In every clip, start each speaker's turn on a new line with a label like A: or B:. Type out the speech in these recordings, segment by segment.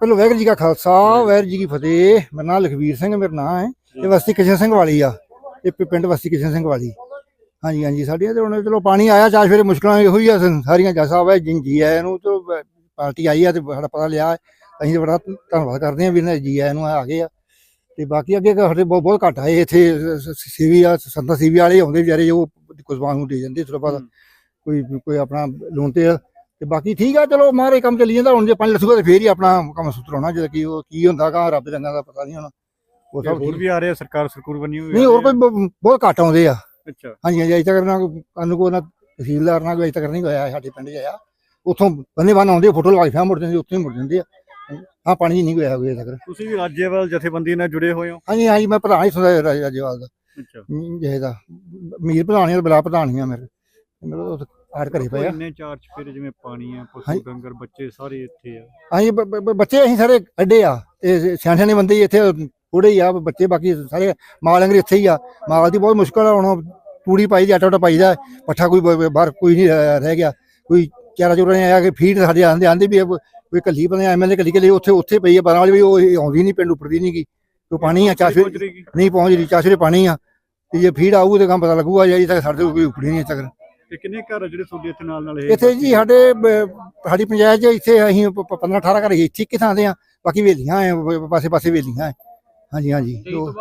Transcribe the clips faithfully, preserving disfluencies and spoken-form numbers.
A: ਪਹਿਲਾਂ ਵਾਹਿਗੁਰੂ ਜੀ ਕਾ ਖਾਲਸਾ ਵਾਹਿਗੁਰੂ ਜੀ ਕੀ ਫਤਿਹ। ਮੇਰਾ ਨਾਮ ਲਖਵੀਰ ਸਿੰਘ ਮੇਰਾ ਨਾਮ ਹੈ। ਇਹ ਬਸਤੀ ਕਿਸ਼ਨ ਸਿੰਘ ਵਾਲੀ ਆ, ਇਹ ਪਿੰਡ ਬਸਤੀ ਕਿਸ਼ਨ ਸਿੰਘ ਵਾਲੀ। ਹਾਂਜੀ ਹਾਂਜੀ ਸਾਡੀਆਂ ਤੇ ਹੁਣ ਚਲੋ ਪਾਣੀ ਆਇਆ ਚਾਰ ਸਵੇਰੇ ਮੁਸ਼ਕਲਾਂ ਇਹੋ ਹੀ ਆ ਸਾਰੀਆਂ। ਜੱਜ ਸਾਹਿਬ ਹੈ ਜੀ ਆਇਆਂ ਨੂੰ, ਚਲੋ ਪਾਰਟੀ ਆਈ ਆ ਤੇ ਸਾਡਾ ਪਤਾ ਲਿਆ, ਅਸੀਂ ਬੜਾ ਧੰਨਵਾਦ ਕਰਦੇ ਹਾਂ ਵੀ ਇਹਨਾਂ ਜੀ ਆਇਆਂ ਨੂੰ ਆ ਗਏ ਆ। ਤੇ ਬਾਕੀ ਅੱਗੇ ਸਾਡੇ ਬਹੁਤ ਬਹੁਤ ਘੱਟ ਆਏ ਇੱਥੇ ਸੀਵੀ ਆ, ਸੰਤਾਂ ਸੀਵੀ ਵਾਲੇ ਆਉਂਦੇ ਵਿਚਾਰੇ, ਉਹ ਕੁਸਬਾਨ ਨੂੰ ਦੇ ਜਾਂਦੇ ਥੋੜਾ ਬਹੁਤ, ਕੋਈ ਕੋਈ ਆਪਣਾ ਲੋਨ ਤੇ ਆ। ਤੇ ਬਾਕੀ ਠੀਕ ਆ, ਚਲੋ ਮਾਰੇ ਕੰਮ ਚੱਲੀ ਜਾਂਦਾ। ਹੁਣ ਜੇ ਪਾਣੀ ਲੱਥੂਗਾ ਤੇ ਫੇਰ ਹੀ ਆਪਣਾ ਕੰਮ ਸੁਤਰਾਉਣਾ, ਜਦੋਂ ਕੀ ਉਹ ਕੀ ਹੁੰਦਾ ਗਾ ਰੱਬ ਦੇ ਰੰਗਾਂ ਦਾ ਪਤਾ ਨਹੀਂ ਹੁਣ। ਉਹ ਸਭ
B: ਹੋਰ ਵੀ ਆ ਰਹੇ ਸਰਕਾਰ ਸਰਕੂਰ ਬਣੀ ਹੋਈ
A: ਨਹੀਂ, ਹੋਰ ਕੋਈ ਬਹੁਤ ਘੱਟ ਆਉਂਦੇ ਆ।
B: ਅੱਛਾ
A: ਹਾਂਜੀ ਹਾਂਜੀ ਅਜੇ ਤੱਕ ਨਾ ਸਾਨੂੰ ਕੋਈ ਨਾ ਤਹਿਸੀਲਦਾਰ ਨਾਲ ਅਜੇ ਤੱਕ ਨਹੀਂ ਹੋਇਆ ਸਾਡੇ ਪਿੰਡ 'ਚ ਆਇਆ। ਉੱਥੋਂ ਬੰਦੇ ਬੰਨ ਆਉਂਦੇ, ਫੋਟੋ ਲਵਾ ਕੇ ਫਿਰ ਮੁੜ ਜਾਂਦੇ, ਉੱਥੇ ਹੀ ਮੁੜ ਜਾਂਦੇ ਆ। ਹਾਂ ਪਾਣੀ ਨਹੀਂ ਹੋਇਆ ਅਜੇ ਤੱਕ।
B: ਤੁਸੀਂ ਵੀ ਰਾਜੇਵਾਲ ਜਥੇਬੰਦੀ ਨਾਲ ਜੁੜੇ ਹੋਏ ਹੋ?
A: ਹਾਂਜੀ ਹਾਂਜੀ ਮੈਂ ਪ੍ਰਧਾਨ ਹੀ ਸੁਣਿਆ ਰਾਜੇਵਾਲ ਦਾ।
B: ਅੱਛਾ
A: ਜਿਹੇ ਦਾ ਮੀਰ ਪ੍ਰਧਾਨ ਬਲਾ ਪ੍ਰਧਾਨ ਆ ਮੇਰੇ ਮੇਰੇ ਆੜ ਘਰੇ ਪਏ ਆ।
B: ਇੰਨੇ ਚਾਰ ਚਫੇਰੇ ਜਿਵੇਂ ਪਾਣੀ ਆ, ਪਸ਼ੂ ਡੰਗਰ ਬੱਚੇ ਸਾਰੇ ਇੱਥੇ ਆ।
A: ਹਾਂਜੀ ਬੱਚੇ ਅਸੀਂ ਸਾਰੇ ਕੱਢੇ ਆ, ਤੇ ਸਿਆਣੇ ਸਿਆਣੇ ਬੰਦੇ ਹੀ ਇੱਥੇ ਥੋੜੇ ਹੀ ਆ ਬੱਚੇ, ਬਾਕੀ ਸਾਰੇ ਮਾਲ ਡੰਗਰ ਇੱਥੇ ਹੀ ਆ। ਮਾਲ ਦੀ ਬਹੁਤ ਮੁਸ਼ਕਲ ਆ, ਹੁਣ ਤੂੜੀ ਪਾਈ ਦੀ, ਆਟਾ ਆਟਾ ਪਾਈ ਦਾ, ਪੱਠਾ ਕੋਈ ਬਾਹਰ ਕੋਈ ਨਹੀਂ ਰਹਿ ਗਿਆ। ਕੋਈ ਚਾਰਾ ਚੂਰਾ ਨਹੀਂ ਆਇਆ ਕਿ ਫੀਡ ਸਾਡੇ ਆਂਦੇ ਆਂਦੇ ਵੀ ਕੋਈ ਕੱਲੀ ਬੰਦੇ ਐਮ ਐਲ ਏ ਕੱਲੀ ਕੱਲੀ ਉੱਥੇ ਉੱਥੇ ਪਈ ਆ ਬਾਰਾਂ ਵਾਲੀ ਵੀ, ਉਹ ਆਉਂਦੀ ਨਹੀਂ ਪਿੰਡ ਉੱਪਰਦੀ ਨਹੀਂ ਗੀ। ਕੋਈ ਪਾਣੀ ਆ ਚਾਸ਼ੇ ਨਹੀਂ ਪਹੁੰਚ ਰਹੀ, ਚਾਸ਼ੇ ਪਾਣੀ ਆ, ਤੇ ਜੇ ਫੀਡ ਆਊ ਤੇ ਕੰਮ ਪਤਾ ਲੱਗੂਗਾ। ਜੀ ਤੱਕ ਸਾਡੇ ਕੋਈ ਉੱਪੜੀ ਨਹੀਂ ਤੱਕ।
B: ਤੇ ਕਿੰਨੇ ਘਰ ਜਿਹੜੇ ਤੁਹਾਡੇ ਇੱਥੇ ਨਾਲ ਨਾਲ
A: ਇੱਥੇ ਜੀ ਸਾਡੇ ਸਾਡੀ ਪੰਚਾਇਤ 'ਚ ਇੱਥੇ ਅਸੀਂ ਪੰਦਰਾਂ ਅਠਾਰਾਂ ਘਰ ਇੱਥੇ ਇੱਕ ਥਾਂ ਦੇ ਆ, ਬਾਕੀ ਵੇਲੀਆਂ ਆ, ਪਾਸੇ ਪਾਸੇ ਵੇਲੀਆਂ ਆ। ਹਾਂਜੀ ਹਾਂਜੀ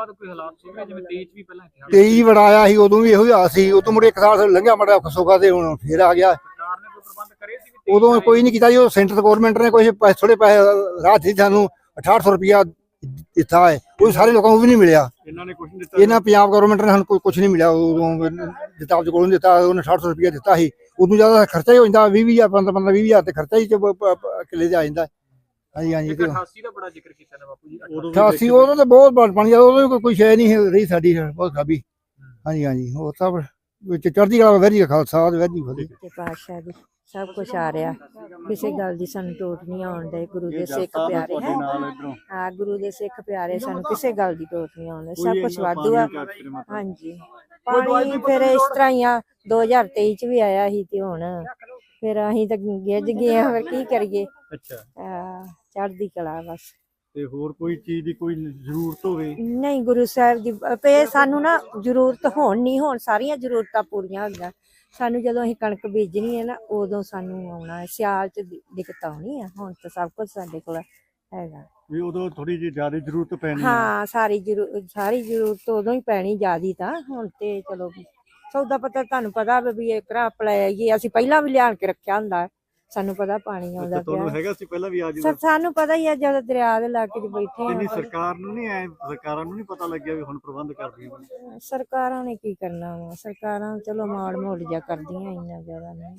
A: ਤੇਈ ਬੜਾ ਆਇਆ ਸੀ, ਉਦੋਂ ਵੀ ਇਹੋ ਹੀ ਹਾਲ ਸੀ। ਉਦੋਂ ਮੁੜੇ ਇੱਕ ਸਾਲ ਲੰਘਿਆ ਮਾੜਾ ਸੋਖਾ ਤੇ ਹੁਣ ਫੇਰ ਆ ਗਿਆ। ਉਦੋਂ ਕੋਈ ਨਹੀਂ ਕੀਤਾ ਜੀ, ਉਹ ਸੈਂਟਰ ਗੌਰਮੈਂਟ ਨੇ ਕੁਛ ਪੈਸੇ ਥੋੜੇ ਪੈਸੇ ਰਾਹ ਸੀ ਸਾਨੂੰ ਅਠਾਹਠ ਸੌ ਰੁਪਇਆ ਦਿੱਤਾ ਹੈ, ਉਹ ਸਾਰੇ ਲੋਕਾਂ ਨੂੰ ਵੀ ਨਹੀਂ ਮਿਲਿਆ।
B: ਇਹਨਾਂ ਨੇ ਕੁਝ ਨਹੀਂ ਦਿੱਤਾ,
A: ਇਹਨਾਂ ਪੰਜਾਬ ਗੌਰਮੈਂਟ ਨੇ ਸਾਨੂੰ ਕੋਈ ਕੁਛ ਨਹੀਂ ਮਿਲਿਆ। ਉਦੋਂ ਜਿਤਾਬ ਕੋਲੋਂ ਦਿੱਤਾ, ਉਹਨੇ ਅਠਾਹਠ ਸੌ ਰੁਪਇਆ ਦਿੱਤਾ ਸੀ। ਉਦੋਂ ਜ਼ਿਆਦਾ ਖਰਚਾ ਹੀ ਹੋ ਜਾਂਦਾ, ਵੀਹ ਵੀਹ ਹਜ਼ਾਰ ਪੰਦਰਾਂ ਪੰਦਰਾਂ ਵੀਹ ਹਜ਼ਾਰ ਤੇ ਖਰਚਾ ਹੀ ਕਿੱਲੇ ਤੇ ਆ ਜਾਂਦਾ। ਹਾਂਜੀ ਹਾਂਜੀ
C: ਅਠਾਸੀ ਦਾ ਬੜਾ ਜ਼ਿਕਰ ਕੀਤਾ ਨਾ ਬਾਪੂ ਜੀ।
A: ਅਠਾਸੀ ਉਦੋਂ ਤਾਂ ਬਹੁਤ ਪਾਣੀ, ਉਦੋਂ ਕੋਈ ਸ਼ੈ ਨਹੀਂ ਰਹੀ ਸਾਡੀ, ਬਹੁਤ ਖਰਾਬੀ। ਹਾਂਜੀ ਹਾਂਜੀ ਹੋਰ ਸਭ ਵਿੱਚ ਚੜ੍ਹਦੀ ਕਲਾ ਵਾਹਿਗੁਰੂ ਜੀ ਕਾ ਖਾਲਸਾ ਵਾਹਿਗੁਰੂ ਜੀ ਕੀ ਫਤਿਹ।
D: ਪਾਤਸ਼ਾਹ ਜੀ ਸਭ ਕੁਛ ਆ ਰਿਹਾ, ਕਿਸੇ ਗੱਲ ਦੀ ਸਾਨੂੰ ਟੋਟ ਨਹੀਂ ਆਉਣ ਦੇ। ਗੁਰੂ ਦੇ ਸਿੱਖ ਪਿਆਰੇ ਹੈ, ਹਾਂ ਗੁਰੂ ਦੇ ਸਿੱਖ ਪਿਆਰੇ, ਸਾਨੂੰ ਕਿਸੇ ਗੱਲ ਦੀ ਟੋਟ ਨਹੀਂ ਆਉਣ ਦੇ। ਸਭ ਕੁਛ ਵਾਧੂ ਆ। ਹਾਂਜੀ ਪਾਣੀ ਫਿਰ ਇਸ ਤਰ੍ਹਾਂ ਹੀ ਆ, ਦੋ ਹਜ਼ਾਰ ਤੇਈ ਚ ਵੀ ਆਇਆ ਸੀ ਤੇ ਹੁਣ ਫਿਰ ਅਸੀਂ ਤਾਂ ਗਿੱਝ ਗਏ ਆ, ਫਿਰ ਕੀ ਕਰੀਏ।
B: ਅੱਛਾ
D: ਚੜ੍ਹਦੀ ਕਲਾ ਬਸ।
B: ਤੇ ਹੋਰ ਕੋਈ ਚੀਜ਼ ਦੀ ਕੋਈ ਜ਼ਰੂਰਤ ਹੋਵੇ?
D: ਨਹੀਂ ਗੁਰੂ ਸਾਹਿਬ ਦੀ ਤੇ ਸਾਨੂੰ ਨਾ ਜ਼ਰੂਰਤ ਹੋਣ ਨਹੀਂ, ਹੋਣ ਸਾਰੀਆਂ ਜ਼ਰੂਰਤਾਂ ਪੂਰੀਆਂ ਹੁੰਦੀਆਂ। ਸਾਨੂੰ ਜਦੋਂ ਅਸੀਂ ਕਣਕ ਬੀਜਣੀ ਹੈ ਨਾ, ਉਦੋਂ ਸਾਨੂੰ ਆਉਣਾ ਹੈ। ਸਿਆਲ ਚ ਦਿੱਕਤ ਆਉਣੀ ਆ, ਹੁਣ ਤਾਂ ਸਭ ਕੁਝ ਸਾਡੇ ਕੋਲ ਹੈਗਾ।
B: ਵੀ ਉਦੋਂ ਥੋੜੀ ਜਿਹੀ ਜ਼ਿਆਦਾ ਜ਼ਰੂਰਤ ਪੈਣੀ।
D: ਹਾਂ ਸਾਰੀ ਜ਼ਰੂਰ ਸਾਰੀ ਜ਼ਰੂਰਤ ਉਦੋਂ ਹੀ ਪੈਣੀ ਜ਼ਿਆਦੀ। ਤਾਂ ਹੁਣ ਤੇ ਚਲੋ ਸੌਦਾ ਪਤਾ ਤੁਹਾਨੂੰ ਪਤਾ ਵੀ ਇੱਕ ਰਾ ਪਲਾਈਏ, ਅਸੀਂ ਪਹਿਲਾਂ ਵੀ ਲਿਆਣ ਕੇ ਰੱਖਿਆ ਹੁੰਦਾ, ਸਾਨੂੰ ਪਤਾ ਪਾਣੀ ਆਉਂਦਾ ਪਿਆ
B: ਹੈਗਾ ਸੀ ਪਹਿਲਾਂ ਵੀ। ਆ
D: ਸਰ ਸਾਨੂੰ ਪਤਾ ਹੀ ਆ, ਜਦੋਂ ਦਰਿਆ ਦੇ ਇਲਾਕੇ 'ਚ ਬੈਠੇ ਆ।
B: ਸਰਕਾਰ ਨੂੰ ਨਹੀਂ ਐ ਸਰਕਾਰਾਂ ਨੂੰ ਨਹੀਂ ਪਤਾ ਲੱਗਿਆ ਵੀ ਹੁਣ ਪ੍ਰਬੰਧ ਕਰਦੀਆਂ?
D: ਸਰਕਾਰਾਂ ਨੇ ਕੀ ਕਰਨਾ ਵਾ, ਸਰਕਾਰਾਂ ਚਲੋ ਮਾੜ ਮੋੜ ਜਿਹਾ ਕਰਦੀਆਂ, ਇੰਨਾ ਜ਼ਿਆਦਾ ਨਹੀਂ।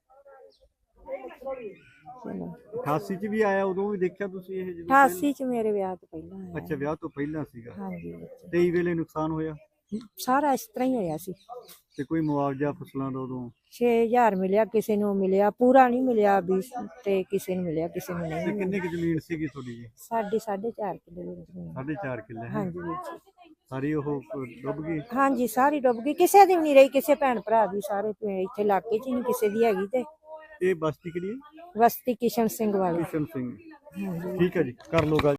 B: ਅਠਾਸੀ ਚ ਵੀ ਆਇਆ, ਉਦੋਂ ਵੀ ਦੇਖਿਆ ਤੁਸੀਂ ਇਹ?
D: ਅਠਾਸੀ ਚ ਮੇਰੇ ਵਿਆਹ ਤੋਂ ਪਹਿਲਾਂ ਆਇਆ।
B: ਅੱਛਾ ਵਿਆਹ ਤੋਂ ਪਹਿਲਾਂ ਸੀਗਾ।
D: ਹਾਂਜੀ
B: ਤੇਈ ਵੇਲੇ ਨੁਕਸਾਨ ਹੋਇਆ
D: ਸਾਰਾ ਇਸ ਤਰ੍ਹਾਂ ਹੀ ਹੋਇਆ ਸੀ।
B: ਤੇ ਕੋਈ ਮੁਆਵਜ਼ਾ ਫਸਲਾਂ ਦਾ ਉਦੋਂ?
D: ਛੇ ਹਜ਼ਾਰ ਮਿਲਿਆ, ਕਿਸੇ ਨੂੰ ਮਿਲਿਆ, ਪੂਰਾ ਨਹੀਂ ਮਿਲਿਆ ਵੀ, ਤੇ ਕਿਸੇ ਨੂੰ ਮਿਲਿਆ, ਕਿਸੇ ਨੂੰ ਨਹੀਂ।
B: ਕਿੰਨੀ ਕੁ ਜ਼ਮੀਨ ਸੀਗੀ ਤੁਹਾਡੀ ਜੀ?
D: ਸਾਡੀ ਸਾਢੇ ਚਾਰ ਕਿੱਲੇ ਜ਼ਮੀਨ।
B: ਸਾਢੇ ਚਾਰ ਕਿੱਲੇ?
D: ਹਾਂਜੀ ਵੀਰ ਜੀ।
B: ਸਾਰੀ ਉਹ ਡੁੱਬ ਗਈ?
D: ਹਾਂਜੀ ਸਾਰੀ ਡੁੱਬ ਗਈ, ਕਿਸੇ ਦੀ ਵੀ ਨਹੀਂ ਰਹੀ, ਕਿਸੇ ਭੈਣ ਭਰਾ ਦੀ। ਸਾਰੇ ਇੱਥੇ ਇਲਾਕੇ 'ਚ ਹੀ ਨਹੀਂ ਕਿਸੇ ਦੀ ਹੈਗੀ। ਤੇ
B: ਇਹ ਬਸਤੀ ਕਿਹੜੀ ਹੈ?
D: ਬਸਤੀ ਕਿਸ਼ਨ ਸਿੰਘ ਵਾਲੀ।
B: ਕਿਸ਼ਨ ਸਿੰਘ, ਠੀਕ ਹੈ ਜੀ, ਕਰ ਲਓ ਗੱਲ।